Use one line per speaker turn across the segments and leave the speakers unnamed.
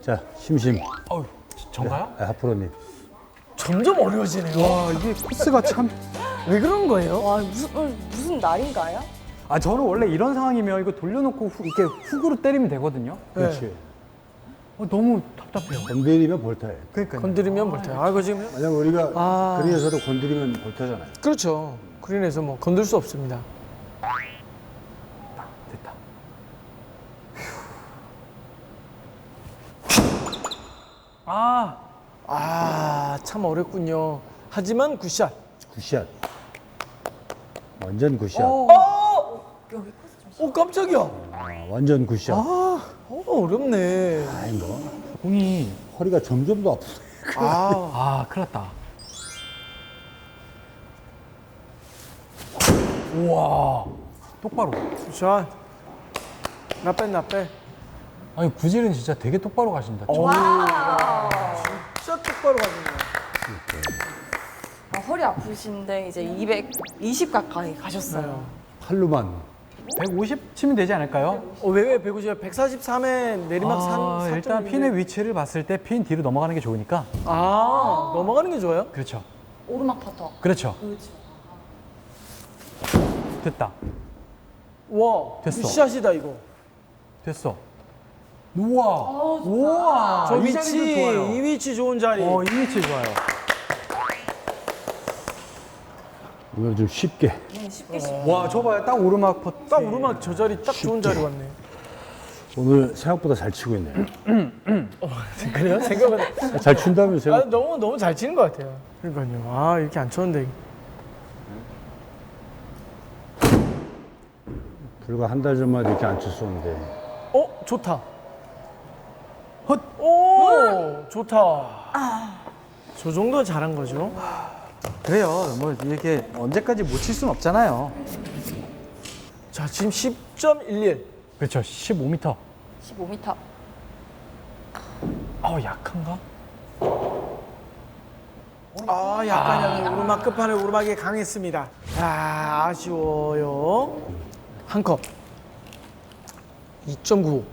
자, 심심.
어우, 전가요?
네, 하프로님.
점점 어려워지네요.
와, 이게 코스가 참.
왜 그런 거예요?
와 무슨 날인가요?
아, 저는 원래 이런 상황이면 이거 돌려놓고 이렇게 훅으로 때리면 되거든요.
그렇지.
너무 답답해요.
건드리면 볼타예요.
그러니까요.
건드리면 볼테요. 아, 이거 지금
만약 우리가
아.
그린에서도 건드리면 볼타잖아요.
그렇죠. 그린에서 뭐 건들 수 없습니다.
됐다. 아,
참 어렵군요. 하지만 굿샷.
굿샷. 완전 굿샷.
오, 깜짝이야.
완전 굿샷.
어렵네.
아이 뭐
공이.
허리가 점점 더 아프네.
아,
큰일 났다. 우와, 똑바로.
굿샷. 나빼.
아니, 구질은 진짜 되게 똑바로 가신다.
진짜 똑바로 가지네.
허리 아프신데 이제 220 가까이 가셨어요.
팔로만.
150 치면 되지 않을까요?
왜 150? 143에 내리막 산
일단 핀의 위치를 봤을 때 핀 뒤로 넘어가는 게 좋으니까.
넘어가는 게 좋아요?
그렇죠.
오르막 퍼터.
그렇죠.
그렇죠.
됐다.
와,
됐어.
굿샷이다 이거.
됐어. 우와. 우와.
저
이
위치,
자리도 좋아요.
이 위치 좋은 자리.
이 위치 좋아요.
이걸 좀 쉽게.
네, 쉽게
와, 저 봐요. 딱 오르막 퍼.
딱 오르막 저 자리 딱 좋은 자리 왔네.
오늘 생각보다 잘 치고 있네요.
그래요? 생각보다.
잘 춘다면서요?
너무 잘 치는 것 같아요. 그러니까요. 이렇게 안 쳤는데.
불과 한 달 전만 이렇게 안 쳤었는데.
좋다. 오, 좋다. 저 정도 잘한 거죠.
그래요. 뭐 이게 언제까지 못 칠 수는 없잖아요.
자, 지금 10.11.
그렇죠. 15m.
15m.
약한가?
약간 오르막 끝판에 오르막이 강했습니다. 아쉬워요. 한 컵. 2.95.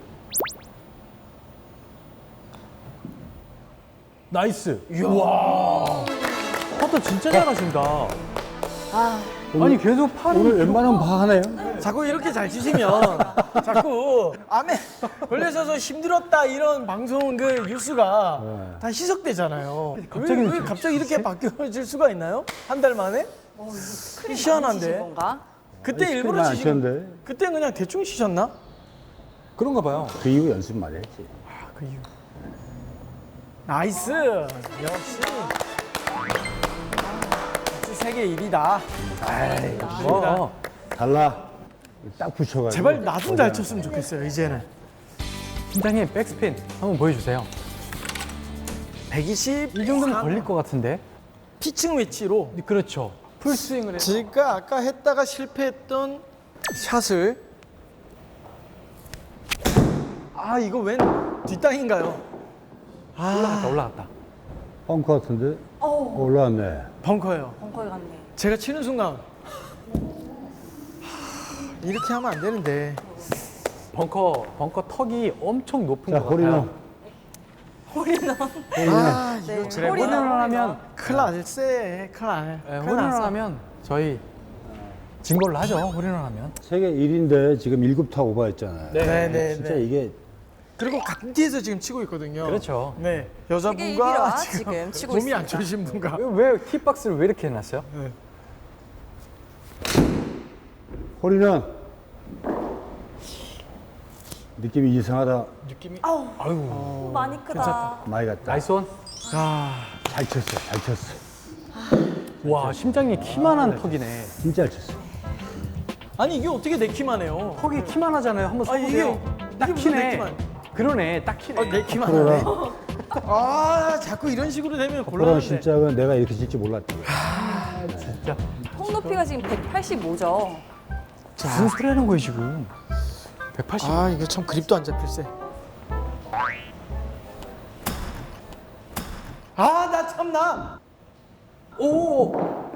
나이스. 우와. 퍼터 진짜 잘하신다. 아니 계속 팔을
오늘 웬만하면 봐 하나요?
자꾸 이렇게 잘 치시면 자꾸 암에 걸려서 힘들었다 이런 방송 그 뉴스가 다 희석되잖아요.
갑자기
왜 갑자기 이렇게 바뀌어질 수가 있나요? 한 달 만에?
치신
희한한데.
건가?
그때 일부러
안
치신
쳤는데.
그때 그냥 대충 치셨나?
그런가 봐요.
그 이후 연습 많이 했지.
그 이유. 나이스. 역시. 세계 1위다.
어.
달라. 딱 붙여가지고.
제발 나 좀 잘 쳤으면 좋겠어요. 이제는.
팀장님 백스핀 한번 보여주세요.
120.
이 정도면 걸릴 것 같은데.
피칭 위치로
그렇죠. 풀스윙을 해서.
제가 아까 했다가 실패했던 샷을 이거 웬 뒷땅인가요?
올라갔다.
펑크 같은데? 올라왔네.
벙커예요.
벙커에 갔네.
제가 치는 순간 이렇게 하면 안 되는데.
벙커 턱이 엄청 높은
자,
것 같아요.
호리는.
이거
네,
그래.
홀인원 하면
큰일 날세. 큰일 날.
홀인원 하면 저희 진 걸로 하죠. 홀인원 하면.
세계 1위인데 지금 7타 오버했잖아요.
네.
진짜 이게
그리고 각디에서 지금 치고 있거든요.
그렇죠.
네.
세계
여자분과
1위와 지금 치고
몸이 안
있습니다.
좋으신 분과.
왜 팁박스를 왜 이렇게 해놨어요?
호리는 느낌이 이상하다.
느낌이.
많이 크다.
많이 갔다.
나이스 원.
잘 쳤어.
와, 심장이 키만한 턱이네.
진짜 잘 쳤어.
아니 이게 어떻게 내 키만 해요?
턱이 키만 하잖아요. 한번 써보세요. 딱
이게 무슨 내
키네.
키만.
그러네, 딱 키네.
내 키만
프로라.
하네. 자꾸 이런 식으로 되면
프로는
곤란한데.
진짜가 내가 이렇게 칠지 몰랐지.
진짜.
통 높이가 지금 185죠.
무슨 소리 하는 거예요, 지금? 180.
이거 참 그립도 안 잡힐세. 나 참나.
오!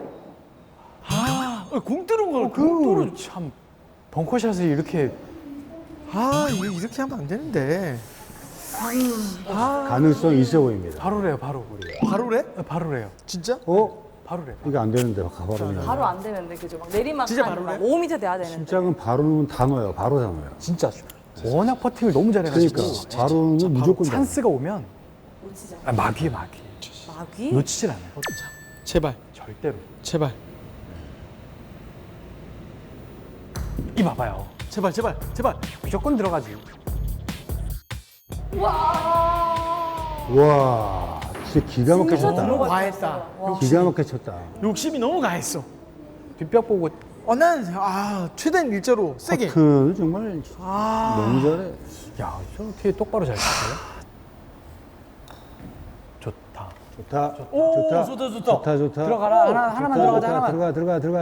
공 뜨는 걸.
그, 참. 벙커샷을 이렇게.
이거 이렇게 하면 안 되는데.
가능성이 있어 보입니다.
바로래요, 바로.
바로래?
바로래요.
진짜?
바로래.
이게 안 되는데 바로.
바로 안 되는데 그죠? 막 내리막
진짜
한
바로래?
5m 돼야 되는데.
심장은 바로는 단어예요. 바로 단어예요.
진짜 워낙 퍼팅을 너무 잘해가지고
그러니까 바로는 무조건 단어.
찬스가 오면
놓치지
마귀에
마귀?
놓치질 않아요.
제발,
절대로.
제발,
이 봐봐요.
제발, 제발, 제발.
무조건 들어가지.
와, 진짜 기가 막혀
진짜
쳤다.
너무 과했다.
기가 막혀 쳤다.
욕심이 너무 가했어.
뒷벽 보고
난 최대한 일자로 세게.
커트는 정말 너무 잘해.
야, 저 어떻게 똑바로 잘 쳤어요? 좋다.
좋다.
오,
좋다.
좋다, 좋다.
좋다. 좋다.
들어가라. 하나만 들어가자. 하나만.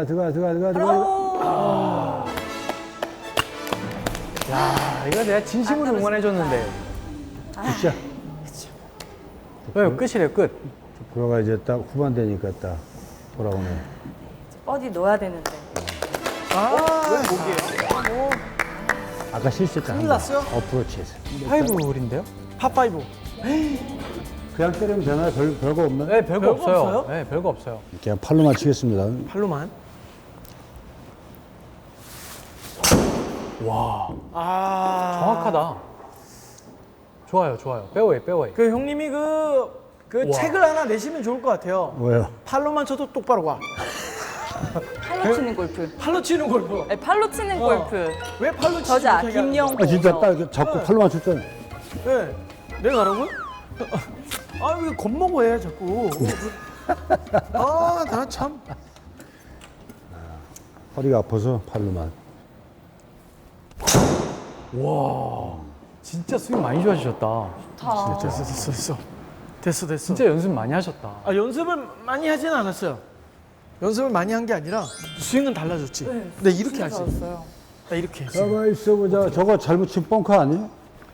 들어가.
야, 이거 내가 진심으로 응원해줬는데.
굿샷.
왜 끝이래요, 끝.
프로가 이제 딱 후반 되니까 딱 돌아오네.
어디 넣어야 되는데.
아까 실수했잖아.
큰일 났어요?
어프로치에서.
파이브 홀인데요?
파5.
그냥 때리면 되나요? 별거 없나요?
네, 별거
별거
없어요.
없어요?
네, 별거 없어요.
그냥 팔로 맞추겠습니다.
팔로만.
와,
아.
정확하다. 좋아요. 빼워이.
그 형님이 그
우와.
책을 하나 내시면 좋을 것 같아요.
뭐예요?
팔로만 쳐도 똑바로 가.
팔로 치는 골프.
팔로 치는 골프.
네, 팔로 치는 골프.
왜 팔로 치지
저자
못하게 하는
김영.
아, 진짜 딱 이렇게 잡고 팔로 맞췄잖아요.
거야? 네. 내가 가라고요? 왜 겁먹어 해 자꾸. 나 참.
허리가 아파서 팔로만.
와, 진짜 스윙 많이 좋아지셨다.
됐어.
진짜 연습 많이 하셨다.
연습을 많이 하진 않았어요. 연습을 많이 한 게 아니라 스윙은 달라졌지. 근데 이렇게 하지.
잘했어요.
나 이렇게 했어.
가만 있어 보자. 저거 잘못 친 벙커 아니에요?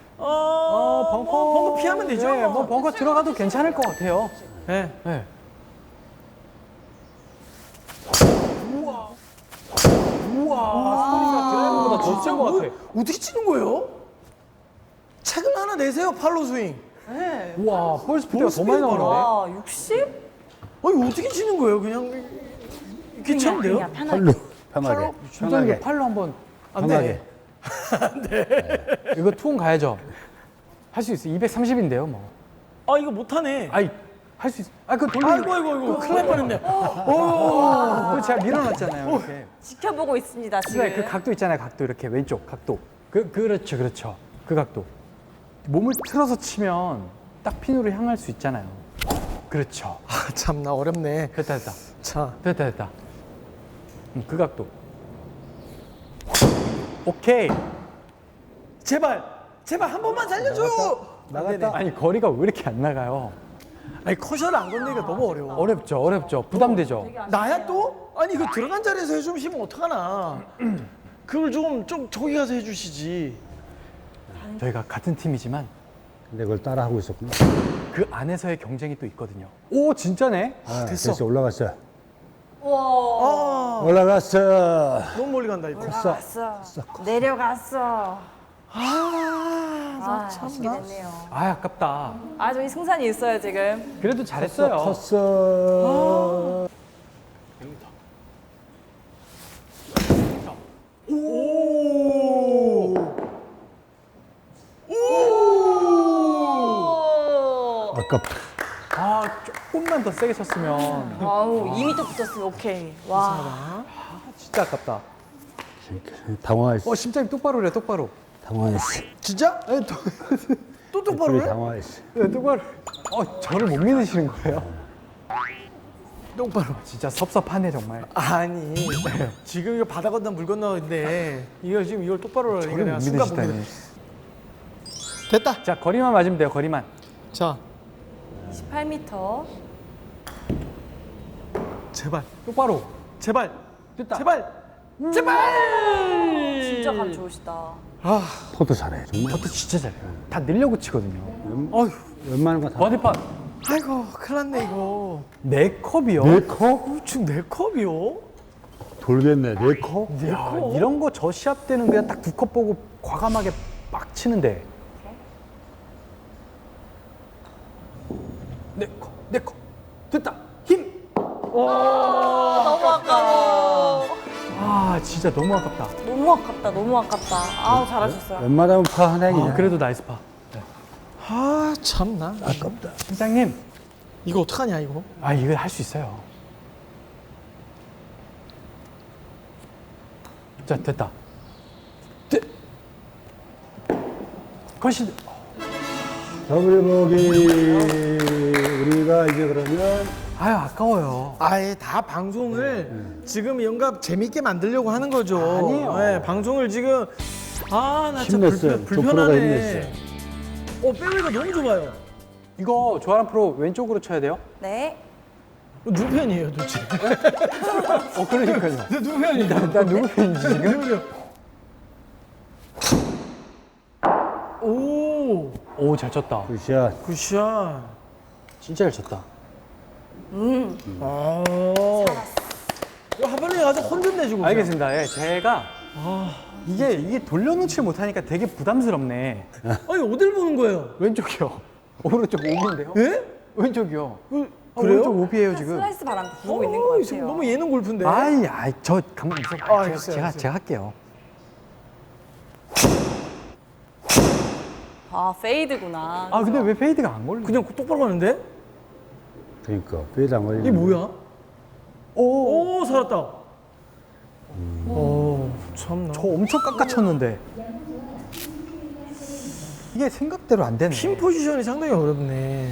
벙커 피하면 되죠.
네, 뭐 벙커 들어가도 괜찮을 것 같아요.
네.
네. 우와, 소리가 드라이버보다 더 센 것 같아.
어떻게 치는 거예요? 책을 하나 내세요, 팔로 스윙.
네.
우와, 볼 스피드가 더 많이 나오는데?
와, 60?
어떻게 치는 거예요? 그냥 이렇게 치면 돼요?
그냥 편하게.
팔로. 편하게.
심장이 그 팔로 한번.
안
편하게.
돼.
이거 투혼 가야죠. 할 수 있어. 230인데요, 뭐.
이거 못하네.
아이, 할 수 있어. 그 돌리기.
아이고, 큰일 날 뻔했네.
그거 제가 밀어놨잖아요, 이렇게.
지켜보고 있습니다, 지금.
네, 그 각도 있잖아요, 각도 이렇게 왼쪽 각도. 그렇죠. 그 각도. 몸을 틀어서 치면 딱 핀으로 향할 수 있잖아요. 그렇죠.
참, 나 어렵네.
됐다.
자,
됐다. 그 각도. 오케이.
제발 한 번만 살려줘.
나갔다.
아니 거리가 왜 이렇게 안 나가요?
커셔를 안 건드리기가 너무 어려워.
어렵죠. 부담되죠.
나야 또? 그 들어간 자리에서 해주시면 어떡하나. 그걸 좀 저기 가서 해주시지.
저희가 같은 팀이지만
근데 그걸 따라 하고 있었구나.
그 안에서의 경쟁이 또 있거든요. 오, 진짜네.
됐어.
올라갔어.
와.
올라갔어.
너무 멀리 간다 이거.
올라갔어. 내려갔어. 아쉽게 됐네요.
아깝다.
저기 승산이 있어요, 지금.
그래도 잘했어요.
컸어. 아깝다.
조금만 더 세게 쳤으면
아우, 2m 붙었으면 오케이. 와.
진짜 아깝다.
당황했어.
심장이 똑바로래, 똑바로.
당황했어.
진짜? 또 똑바로
둘이
해?
당황했어.
네, 똑바로. 저를 못 믿으시는 거예요?
똑바로.
진짜 섭섭하네, 정말.
아니 지금 이거 바다 건너 물 건너인데 이걸 똑바로
저를
이거 내가
못
순간 못
믿으시다니.
믿어. 됐다.
자, 거리만 맞으면 돼요, 거리만.
자,
28m.
제발,
똑바로.
제발,
됐다.
제발.
진짜 감 좋으시다.
포도 잘해. 정말.
저도 진짜 잘해요. 다 늘려고 치거든요.
웬만한 거 다.
버디팟.
아이고, 큰일 났네 이거.
네 컵이요?
네 컵?
지금 내 컵이요?
돌겠네. 네 컵?
야, 이런 거 저 시합 때는 그냥 딱 두 컵 보고 과감하게 막 치는데. 내 거. 됐다. 힘.
너무 아까워.
아, 진짜 너무 아깝다.
너무 아깝다. 너무 아깝다. 아우 잘하셨어요.
웬만하면 파 하나 이기네.
아, 그래도 나이스 파. 네.
아 참나.
아깝다.
팀장님,
이거 어떡하냐 이거.
아, 이거 할 수 있어요. 자, 됐다. 컷이.
더블 보기. 우리가 이제 그러면
아유, 아까워요.
아예 다 방송을 지금 영감 재밌게 만들려고 하는 거죠.
아니에요.
네, 방송을 지금 나 진짜
힘냈어요. 조 프로가
불편하네.
힘냈어요.
빼웨이가 너무 좁아요.
이거 조아람 프로 왼쪽으로 쳐야 돼요?
네.
누구 편이에요 도대체?
그러니까요.
누구 편이에요?
나 누구 편인지 지금?
오
오, 잘 쳤다.
굿샷.
굿샷.
진짜 잘 쳤다.
이거 하반에 가서 혼 좀 내주고.
알겠습니다. 예, 제가 이게 돌려놓지 못하니까 되게 부담스럽네.
아니 어딜 보는 거예요?
왼쪽이요. 오른쪽 오비인데요?
예?
왼쪽이요.
그래요?
오른쪽 오비예요 지금.
슬라이스 바람 부고 있는 것
지금
같아요.
너무 예능 골프인데.
아이, 저 가만 있어.
알겠어요,
제가
알겠어요.
할게요.
아 페이드구나.
아, 근데 왜 페이드가 안 걸려?
그냥 똑바로 가는데?
그러니까 페이드 안 걸리네.
이게 뭐야?
오,
오 살았다. 오 참나.
저 엄청 깎아쳤는데 이게 생각대로 안 되네.
핀 포지션이 상당히 어렵네.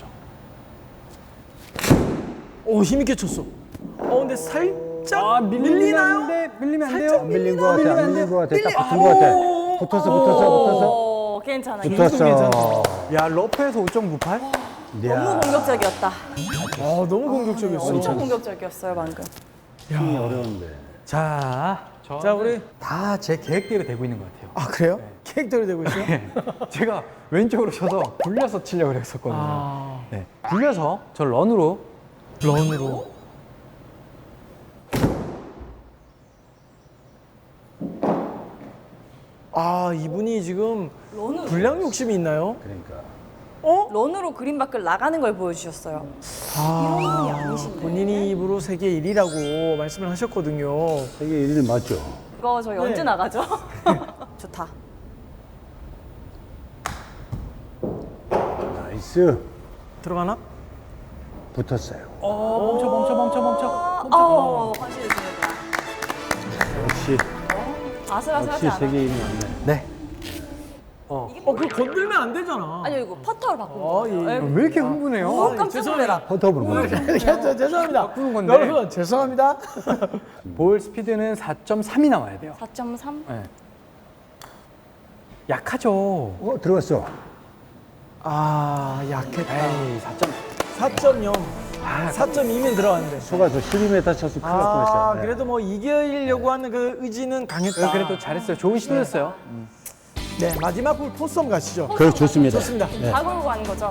오 힘있게 쳤어. 근데 살짝 밀리나요?
밀리면 안 돼요?
살짝
안 밀린 거 같아. 안 밀린 거 같아. 딱 붙은 거
오.
같아. 붙었어.
오, 괜찮아.
붙었어.
야, 러프에서 5.98?
너무 공격적이었다.
너무 공격적이었어.
엄청 공격적이었어요 방금.
힘이 어려운데.
자,
자 우리
다 제 계획대로 되고 있는 것 같아요.
그래요? 캐릭터로 되고 있어요?
제가 왼쪽으로 쳐서 굴려서 치려고 했었거든요.
네.
네. 굴려서 저 런으로
런으로. 이분이 지금
런으로.
불량 욕심이 있나요?
그러니까.
런으로 그린 밖을 나가는 걸 보여주셨어요. 이런 분이 아니신데.
본인이 입으로 세계 1위라고 말씀을 하셨거든요.
세계 1위는 맞죠?
이거 저희 언제
네.
나가죠? 좋다.
나이스.
들어가나?
붙었어요.
멈춰. 확실히 좋습니다.
역시
아슬아슬하지 않아.
세계 1위 맞네.
네.
그거 건들면 안 되잖아.
아니요 이거 퍼터로 바꾼
예.
거예요.
왜 이렇게 흥분해요?
깜짝 놀래라.
퍼터블 보는 거.
죄송합니다.
바꾸는 건데.
여러분 죄송합니다.
볼 스피드는 4.3이 나와야 돼요.
4.3.
네. 약하죠.
들어갔어.
약했다.
에이,
4.0. 4.2면 들어갔는데.
속아서 12m 쳤으면 큰일 날 뻔했어요. 네.
그래도 뭐 이기려고 하는 그 의지는 강했다.
그래도 잘했어요. 좋은 시도였어요.
네, 마지막 볼 포섬 가시죠.
그래 좋습니다.
좋습니다.
다 걸고 가는 거죠.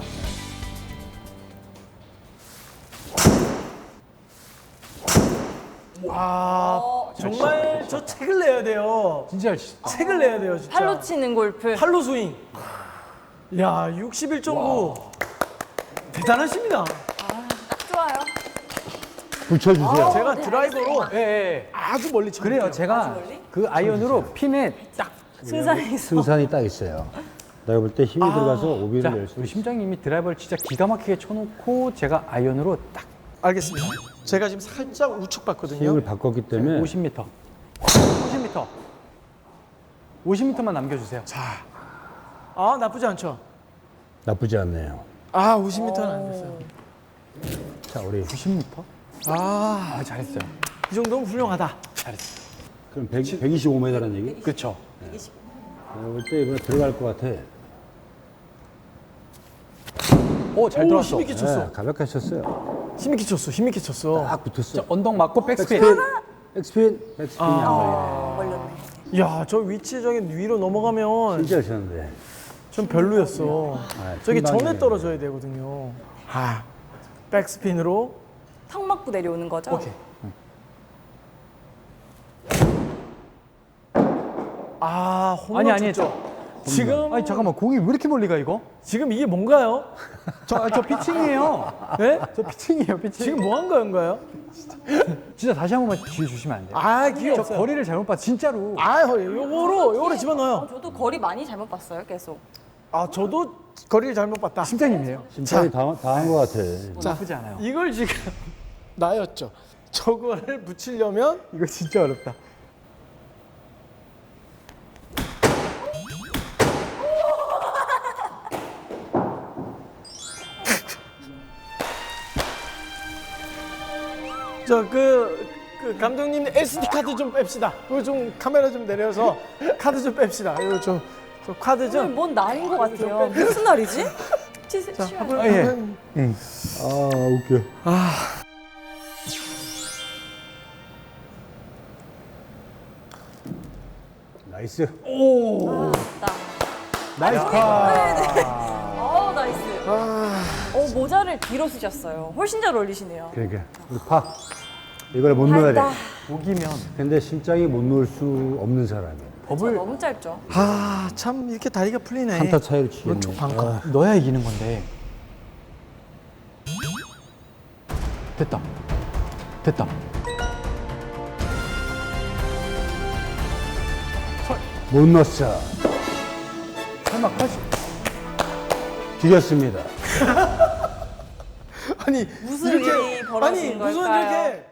정말 저 책을 내야 돼요.
진짜 잘 치셨다.
책을 내야 돼요, 진짜.
팔로 치는 골프.
팔로 스윙. 야, 61.9. 대단하십니다.
딱 좋아요.
붙여주세요.
제가 드라이버로
예, 예.
아주 멀리 쳤어요.
그래요. 제가 그 아이언으로 핀에 딱.
승산이 있어.
승산이 딱 있어요. 내가 볼 때 힘이 들어가서 오비를
자,
낼 수
우리
있어.
심장님이 드라이버를 진짜 기가 막히게 쳐놓고 제가 아이언으로 딱
알겠습니다. 제가 지금 살짝 우측 봤거든요.
힘을 바꿨기 때문에
50m. 50m만 남겨주세요.
나쁘지 않죠?
나쁘지 않네요.
50m는 안 됐어요.
자, 우리
90m? 잘했어요.
이 정도면 훌륭하다.
잘했어요.
그럼 125m라는 얘기?
그렇죠.
내가 볼 때 이번에 들어갈 것 같아.
오, 잘 들어왔어.
힘있게 쳤어.
가볍게 쳤어요.
힘있게 쳤어. 힘있게 쳤어.
딱 붙었어.
언덕 맞고 백스핀.
백스핀이 안 걸리네.
걸렸네.
야, 저 위치적인 위로 넘어가면
진짜 쳤는데.
좀 별로였어. 저기
중방이네.
전에 떨어져야 되거든요. 백스핀으로.
턱 맞고 내려오는 거죠?
오케이. 홈런
아니,
쳤죠?
했죠.
지금
아니 잠깐만 공이 왜 이렇게 멀리 가 이거?
지금 이게 뭔가요?
저 피칭이에요.
네?
저 피칭이에요 피칭.
지금 뭐 한 건가요?
진짜 다시 한 번만 기회 주시면 안 돼요?
아 기회
저
없어요.
거리를 잘못 봤 진짜로.
아 요거로 집어넣어요.
저도 거리 많이 잘못 봤어요, 계속.
아 저도 거리를 잘못 봤다.
심장님이에요.
심장이 다한 것 같아.
나쁘지 않아요.
이걸 지금 나였죠. 저거를 붙이려면
이거 진짜 어렵다.
그 감독님 SD 카드 좀 뺍시다. 그거 좀 카메라 좀 내려서 카드 좀 뺍시다. 이거 저 카드
오늘
좀.
뭔 날인 것 같아요. 무슨 날이지?
한번
아, 예.
아 웃겨. 나이스.
나이스 파.
나이스. 모자를 뒤로 쓰셨어요. 훨씬 잘 어울리시네요.
그러니까 우리 파. 이걸 못 넣어야 돼.
밝다.
목이면
근데 심장이 못 넣을 수 없는 사람이야.
법을
너무 짧죠.
참 이렇게 다리가 풀리네.
한타 차이로 치겠네.
오른쪽 반컵.
넣어야 이기는 건데. 됐다. 됐다.
못 넣었어.
설마 컷이
뒤졌습니다.
아니
무슨 일이 벌어진
무슨
걸까요?
이렇게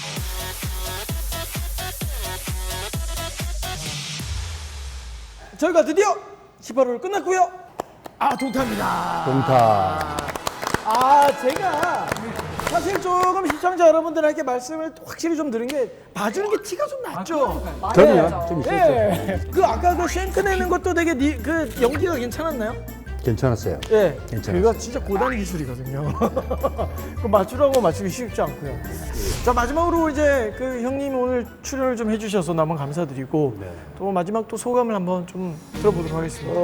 저희가 드디어 18호를 끝났고요. 동타입니다.
동타.
제가 사실 조금 시청자 여러분들에게 말씀을 확실히 좀 드린 게 봐주는 게 티가 좀 났죠.
그럼요. 좀 있었죠.
예. 아까 그 쉔크 내는 것도 되게 그 연기가 괜찮았나요?
괜찮았어요.
예.
괜찮았어요.
그거 진짜 고단 기술이거든요. 그 맞추라고 맞추기 쉽지 않고요. 자 마지막으로 이제 그 형님 오늘 출연을 좀 해주셔서 너무 감사드리고 또 마지막 또 소감을 한번 좀 들어보도록 하겠습니다.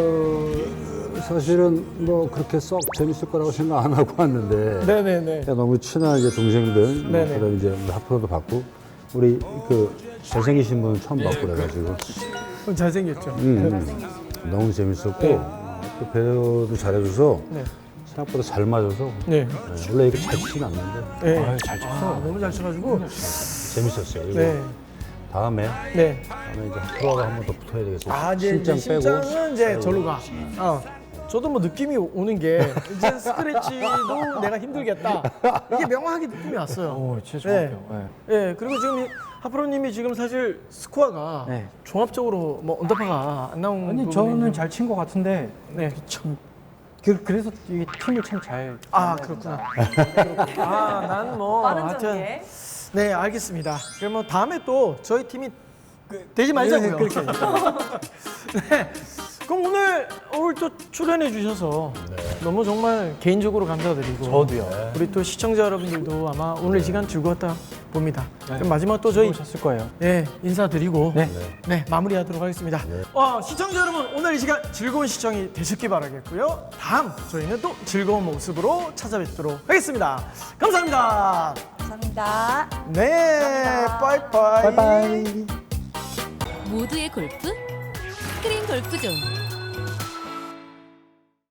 사실은 뭐 그렇게 썩 재밌을 거라고 생각 안 하고 왔는데
네네네.
그냥 너무 친한 이제 동생들, 뭐
네네.
그다음 이제 하프로도 봤고 우리 그 잘생기신 분 처음 봤고 그래가지고
잘생겼죠.
너무 재밌었고
네.
또 배우도 잘해줘서
네.
생각보다 잘 맞아서
네.
원래 이렇게 잘 치진 않는데
네.
아유, 잘 쳤어.
너무 잘 쳐가지고.
재밌었어요. 그리고
네.
다음에
네.
이제 하프로가 한 번 더 붙어야 되겠어요.
이제
심장 빼고
심장은 이제 절로 가. 저도 뭐 느낌이 오는 게 이제 스크래치도 내가 힘들겠다. 이게 명확하게 느낌이 왔어요.
오, 진짜
네.
정확해요.
예, 그리고 지금 하프로님이 지금 사실 스코어가
네.
종합적으로 뭐 언더파가 안 나온
아니
부분이
저는 잘 친 것 같은데
네.
참 그래서 이 팀을 참 잘.
그렇구나. 난 뭐
빠른
하여튼
전개.
네, 알겠습니다. 그러면 다음에 또 저희 팀이 되지 말자고요.
그렇게.
네. 그럼 오늘 또 출연해 주셔서 너무 정말 개인적으로 감사드리고
저도요.
우리 또 시청자 여러분들도 아마 오늘 이 시간 즐거웠다 봅니다. 그럼 마지막 또 저희
셨을 거예요.
인사드리고
네.
마무리하도록 하겠습니다. 시청자 여러분 오늘 이 시간 즐거운 시청이 되셨기 바라겠고요. 다음 저희는 또 즐거운 모습으로 찾아뵙도록 하겠습니다. 감사합니다.
감사합니다.
네, 빠이빠이.
바이바이.
모두의 골프 스크린 골프존.